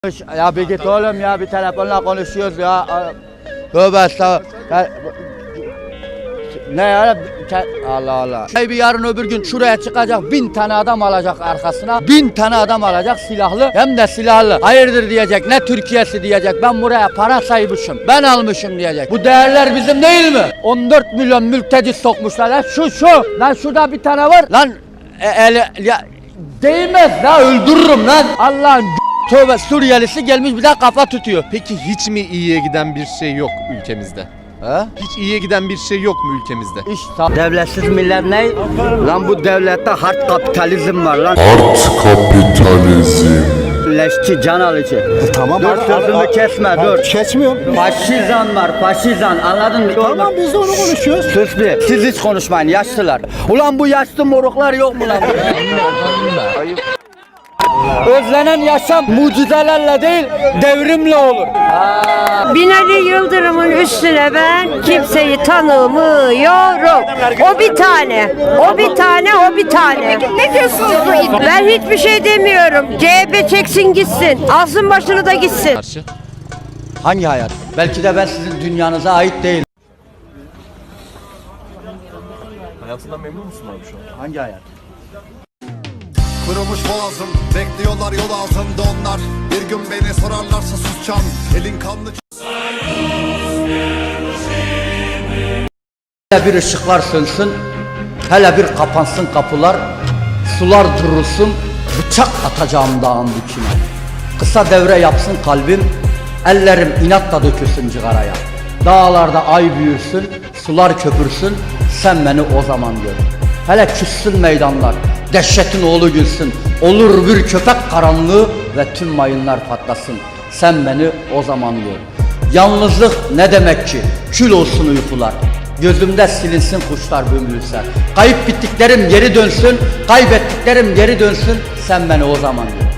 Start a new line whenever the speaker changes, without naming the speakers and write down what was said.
Ya bir git oğlum ya, bir telefonla konuşuyoruz ya. Tövbe estağfurullah. Ne ya? Allah Allah. Bir yarın öbür gün şuraya çıkacak, 1000 tane adam alacak arkasına. 1000 tane adam alacak silahlı, hem de silahlı. Hayırdır diyecek, ne Türkiye'si diyecek. Ben buraya para saymışım, ben almışım diyecek. Bu değerler bizim değil mi? 14 milyon mülteci sokmuşlar lan. Şu. Lan şurada bir tane var. Lan ya değmez la, öldürürüm lan. Allah'ın tövbe, Suriyelisi gelmiş bir daha kafa tutuyor.
Peki hiç mi iyiye giden bir şey yok ülkemizde?
He?
Hiç iyiye giden bir şey yok mu ülkemizde?
Devletsiz millet ne? Lan bu devlette hard kapitalizm var lan.
Hard kapitalizm.
Leşçi, can alıcı.
Tamam.
Dur sözümü kesme, dur.
Kesmiyorum.
Faşizan var, faşizan, anladın mı?
Tamam, biz de onu konuşuyoruz.
Sus bir, siz hiç konuşmayın yaşlılar. Ulan bu yaşlı moruklar yok mu lan? Özlenen yaşam mucizelerle değil, devrimle olur.
Binali Yıldırım'ın üstüne ben kimseyi tanımıyorum. O bir tane, o bir tane, o bir tane. Ne diyorsunuz? Ben hiçbir şey demiyorum. CHP çeksin gitsin, alsın başını da gitsin.
Karşı.
Hangi hayat? Belki de ben sizin dünyanıza ait değilim.
Hayatından memnun musun abi şu an?
Hangi hayat?
Kırılmış boğazım, bekliyorlar yol ağzında onlar. Bir gün beni sorarlarsa susacağım, elin kanlı.
Hele bir ışıklar sönsün, hele bir kapansın kapılar, sular durulsun, bıçak atacağım dağın dikine. Kısa devre yapsın kalbim, ellerim inatla dökülsün cigaraya. Dağlarda ay büyürsün, sular köpürsün, sen beni o zaman gör. Hele küssün meydanlar, dehşetin oğlu gülsün, olur bir köpek karanlığı ve tüm mayınlar patlasın, sen beni o zaman gör. Yalnızlık ne demek ki? Kül olsun uykular. Gözümde silinsin kuşlar bömürse. Kayıp bittiklerim geri dönsün, kaybettiklerim geri dönsün, sen beni o zaman gör.